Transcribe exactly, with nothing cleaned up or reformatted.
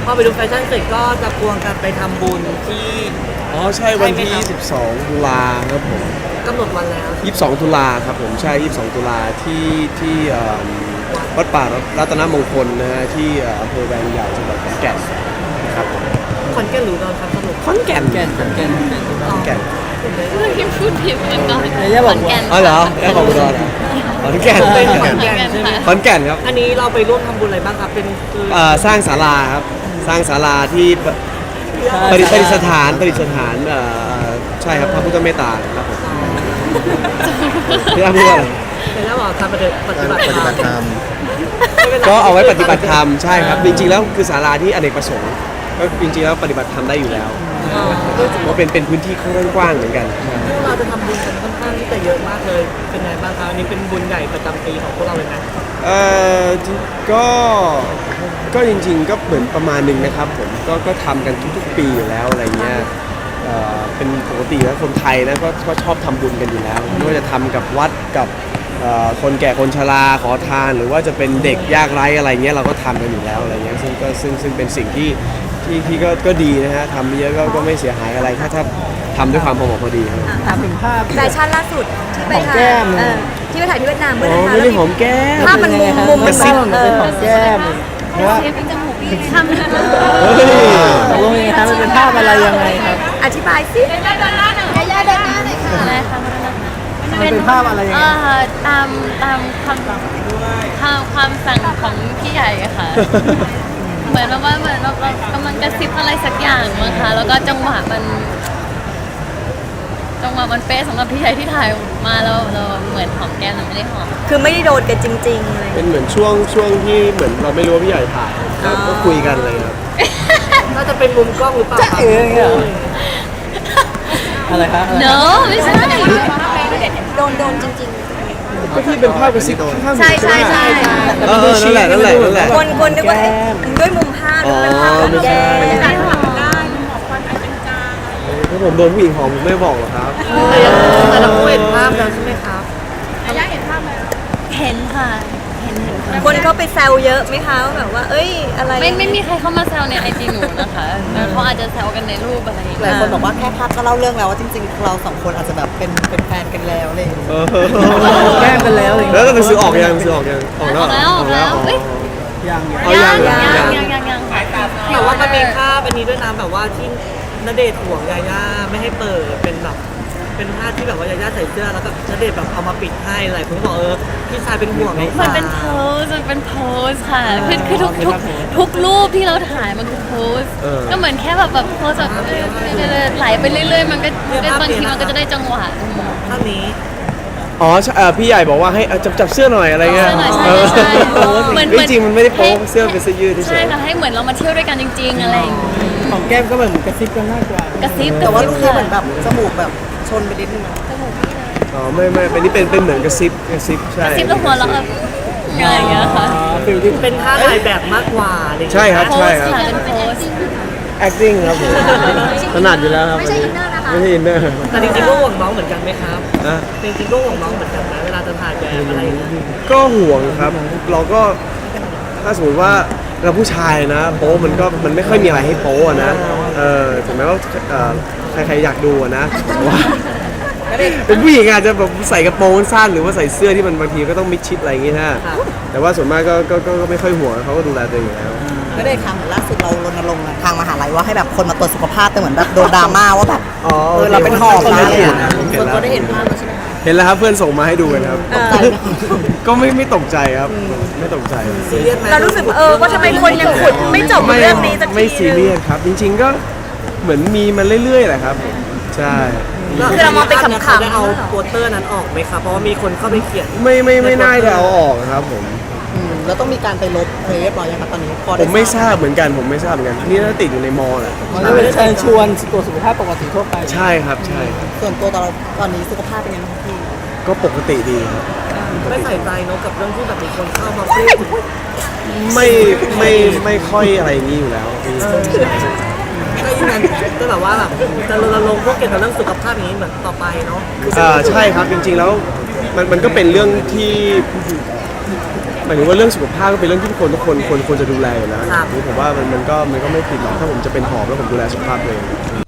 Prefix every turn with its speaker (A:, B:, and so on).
A: พอไปดูแฟชั่นเสร็จก็จะควงกันไปทำบุญที่
B: อ๋อใช่วันที่ ยี่สิบสอง ตุลาครับผม
A: กำหนดวันแล้ว
B: ยี่สิบสอง ตุลาครับผมใช่ ยี่สิบสอง ตุลาที่ที่เอิ่มวัดป่ารัตนมงคลนะฮะที่เอ่ออำเภอแวงใหญ่จังหวัดขอนแก่นนะครับผม
A: คนแก่นหรือเราครับสรุป
B: ขอนแก่น
C: แก่นขอนแก่น
B: ขอนแก่น
D: พิมพูดผิดเหมือนกัน
C: อย่าบอก
D: แก่น
B: อ๋อเหรอแค่ของอุดรเหรอขอนแก่น
A: เป็นข
B: ข
A: อ
B: อน น
A: แก่
B: แก่น
A: นใช่ไหม
B: ขอนแก่นครับ
A: อันนี้เราไปร่วมทำบุญอะไรบ้างครับเป็นคือ
B: เอ่อสร้างศาลาครับสร้างศาลาที่ปประดิษฐานประดิษฐานเอ่อใช่ครับพระพุทธเมตตาครับผมพี่อ้ำพูดว่าอะไร
A: เป็นแล้วบอกทำปฏิบัติ
E: การปฏิบัติธรรม
B: ก็เอาไว้ปฏิบัติธรรมใช่ครับจริงๆแล้วคือศาลาที่อเนกประสงค์ก็จริงๆแล้วปฏิบัติธรรมได้อยู่แล้วเพราะเป็นเป็นพื้นที่ค่อนข้างกว้างเหมือนกัน
A: พวกเราจะทำบุญกันค่อนข้างที่จะเยอะมากเลยเป็นไงบ้างครับอันนี้เป็นบุญใหญ่ประจำปีของพวกเราเลยนะ
B: เอ่อก็ก็จริงๆก็เหมือนประมาณหนึ่งนะครับผมก็ก็ทำกันทุกๆปีอยู่แล้วอะไรเงี้ยเอ่อเป็นปกติแล้วคนไทยนะก็ก็ชอบทำบุญกันอยู่แล้วไม่ว่าจะทำกับวัดกับเอ่อคนแก่คนชราขอทาน หรือว่าจะเป็นเด็กยากไร้อะไรเงี้ยเราก็ทำกันอยู่แล้วอะไรเงี้ยซึ่งก็ซึ่งซึ่งเป็นสิ่งที่ที่ที่ก็ก็ดีนะฮะทำเยอะก็ก็ไม่เสียหายอะไรถ้าถ้าทำด้วยความพอเหมาะพอดีครับ
C: ถามถึงภาพ
F: แฟชั่นล่าสุดที่ไป
C: หอม
F: ถ่า
C: แก้
F: ย
C: ม
F: เออที่ไปถ่ายที่เวียดนามเมื่อ
B: อ๋อ
F: นะคะ
B: ไม่ได้หอมแก้ม
F: ภาพมันมุมมุม
C: ก
F: มั
C: ระ
F: น
C: ซิบ
F: เอ
C: เป็น
F: อ
C: หอมแก้มเพราะว่า
D: ทำ
B: เฮ้ย
C: ตกลงยังไงครับมันเป็นภาพอะไรยังไงครับ
F: อธิบายสิ
D: อะไรคะ
C: มันเป็นภาพอะไรยัง
D: เอ
C: ไง
D: อตามตามความความความสั่งของพี่ใหญ่อะค่ะ เหมือนว่าเหมือนเราเรากำลังกระซิบอะไรสักอย่างมั้งคะแล้วก็จังหวะมัน จังหวะมันเป๊ะสำหรับพี่ใหญ่ที่ถ่ายมาแล้วเราเหมือนหอมแก้มแต่ไม่ได้หอม
F: คือไม่ได้โดนกันจริงๆอะไร
B: เป็นเหมือนช่วงช่วงที่เหมือนเราไม่รู้ว่าพี่ใหญ่ถ่ายก็ก็คุยกันเลยครับ
A: น่าจะเป็นมุมกล้องหรือเปล่าครับ
C: เอ๋อย่างเงี้ยเหรออะไรครับอะไร
D: no ไม่ใช่
F: โดนโดนจริง
B: ก็ที่เป็นภาพกระซิบข้างๆ
F: ๆ ใช่ใช่ใช่
B: เออนั่นแหละนั่นแหละนั่นแหละ
F: คนคนนึกว่าเอ๊ะด้วยมุมภาพด้วยภาพของแก
B: ถ้าผมโดนผู้หญิงหอมผมไม่บอกหรอกครับ
A: แต่ยังแต่เราเห็นภาพแล้วใช่ไหมครับ
D: เห็นค่ะเห็นเห็นค่ะ
F: คนเขาไปแซวเยอะไหมคะว่าแบบว่า เอ้ยอะไร
D: ไม่ไม่มีใครเข้ามาแซวในไอจีหนูนะคะแต่เขาอาจจะแซวกันในรูปอะไรอย่าง
G: หลาย
D: เงี้ย
G: คนบอกว่าแค่ภาพก็เล่าเรื่องแล้วว่าจริงๆ เราสองคนอาจจะแบบเป็นเป็นแฟนกันแล้วอะไรอย่างเลย
B: เออ
C: แก้มกันแล้วอะไรอย่าง
B: แล้ว
C: เงี้ย
B: หนังสือออกยังหนังสือออกยังออก
D: อ
B: แล้ว
D: อก
B: เหร
D: แล้วออกแล้ว
B: อ๋อ
D: เอ้ย
C: ยัง
B: เอา
D: ยั
B: ยัง ง
D: ยัง
B: ยัง
D: ยังยังยัง
A: แต่ว่ามันมีภาพอันนี้ด้วยนะแบบว่าที่ณเดชน์ห่วงยาย่าไม่ให้เปิดเป็นแบบเป็นภาพที่แบบว่ายาย่าใส่เสื้อแล้วก็ณเดชน์แบบเอามาปิดให้หลายคนก็บอกเออพี่ชายเป็นห่วงน้อง
D: มัน
A: สาว
D: เป็นโพสมันเป็นโพสค่ะคือคือทุกทุกทุกรูปที่เราถ่ายมันคือโพสก็เหมือนแค่แบบแบบโพสแบบเรื่อยๆไหลไปเรื่อยๆมันก็ก็บางทีมันก็จะได้จังหวะ
A: ภาพนี้
B: อ๋อใช่เอ่อพี่ใหญ่บอกว่าให้เอาจับจับเสื้อหน่อยอะไรเงี้ย
D: เสื้อหน่อยใช่
B: เออ
D: ใช่เหมือน
B: จริงๆมันไม่ได้โป๊
D: ให้
B: เสื้อเป็นเสื้อยืดเฉ
D: ใช่
B: ย
D: ค่ะให้เหมือนเรามาเที่ยวด้วยกันจริง ๆ อะไรอย่างงี้
C: ของแก้มก็แบบเหมือนกระซิบกันมากกว่าก
D: ระซิบ
G: แต่ว่ารูปนี้
D: ค่ะ
G: เหมือนแบบจมูกแบบชนไปนิดนึงนะ
B: ๆอ๋อไม่ไม่เป็นนี่เป็นเป็นเหมือนกระซิบกระซิบใช่
D: กระซิบแล้วหัวเราะแบบอะไรอย่างเงี้ยค่ะ
C: อ๋อฟิลที่
A: เป็นท่าถ่ายแบบมากกว่าอะไรอย่างเงี้ย
B: ใช่ครับ
D: โพ
B: ใช่
D: ส
B: ครับ
D: ค่ะเป็นโพส
B: acting ครับผมถนัดอยู่แล้วครับ
F: ไม่ใช่อินเนอร์นะคะ
B: ไม่ใช่อินเนอร์
A: แต่จริงๆก็ห่วงน้องเหมือนกันไหมครับ
B: นะ
A: จริงๆก็ห่วงน้องเหมือนกันนะเวลาจะถ่ายแบบอะไรอย่างเงี้ย
B: ก็ห่วงครับ เราก็ถ้าสมมติว่าเราผู้ชายนะโป๊มันก็มันไม่ค่อยมีอะไรให้โป๊อะนะเออถึงแม้ว่าเอ่อใครๆอยากดูอะนะแต่ว่าเป็นผู้หญิงอาจจะแบบใส่กระโปรงสั้นหรือว่าใส่เสื้อที่มันบางทีก็ต้องมิดชิดอะไรอย่างงี้ฮะแต่ว่าส่วนมากก็ก็ก็ก็ไม่ค่อยห่วงเขาก็ดูแลตัวเองอยู่แล้ว
G: ไม่ได้ค่ะเหมือนล่าสุดเรารณรงค์อะทางมหาลัยว่าให้แบบคนมาตรวจสุขภาพแต่เหมือนแบบโดนดราม่าว่าแบบ
B: อ๋อ
G: เออเราเป็นหอบนะอะไรอย่าง
B: เห็
G: เงี้
B: น
G: ย
B: แล้ว
G: คนก็ได้เห็นภาพแล้วใช่ไหมคะ
B: เห็นแล้วครับเพื่อนส่งมาให้ดูกันครับ ก็ไม่ไม่ตกใจครับ ไม่ตกใจ
A: ซีเรียสไหม
F: เรารู้สึกว่าเออว่าทำไมคนยังขุดไม่จบเรื่องนี้สักที
B: ไม่ซีเรียสครับ จริงๆก็เหมือนมีมันเรื่อยๆแหละครับผมใช่
F: คือเรามองเป็นขำๆ
A: เขาได้เอาโปสเตอร์นั้นออกไหมครับเพราะว่ามีคนเข้าไปเขียน
B: ไม่ไม่ไม่น่าจะเอาออกครับผม
G: อืมแล้วต้องมีการไปลบอะไรเรียบร้อยยังคะตอนนี้พอ
B: ผ
G: ได้
B: มไม่ทราบเหมือนกันผมไม่ทราบเหมือนกันนี่น่าติดอยู่ในมอแหละ
C: มันก็เป็นเชิญชวนตรวจสุขภาพปกติทั่วไป
B: ใช่ครับใช่ครับ
G: ส่วนตัวตอนเราตอนนี้สุขภาพเป็นยังไงบ้างพี่
B: ก็ปกติดีครับ
A: ไม่ใส่ใจเนอะกับเรื่องที่แบบมีคนเข้ามาพูดถึง
B: ไม่ไม่ไม่ค่อยอะไรอย่างนี้อยู่แล้ว
A: ก็ยังงั้นก็แบบว่าแบบจะรณรงค์พวกเกี่ยวกับเรื่องสุขภาพอย่างนี้เหมือนต่อไปเนาะ
B: อ่าใช่ครับจริงๆแล้วมันมันก็เป็นเรื่องที่หมายถึงว่าเรื่องสุขภาพก็เป็นเรื่องที่ทุกคนทุกคนควรควรจะดูแลอยู่แล้ว
A: ครับ
B: ผมว่ามันมันก็มันก็ไม่ผิดหรอกถ้าผมจะเป็นหอบแล้วผมดูแลสุขภาพตัวเอง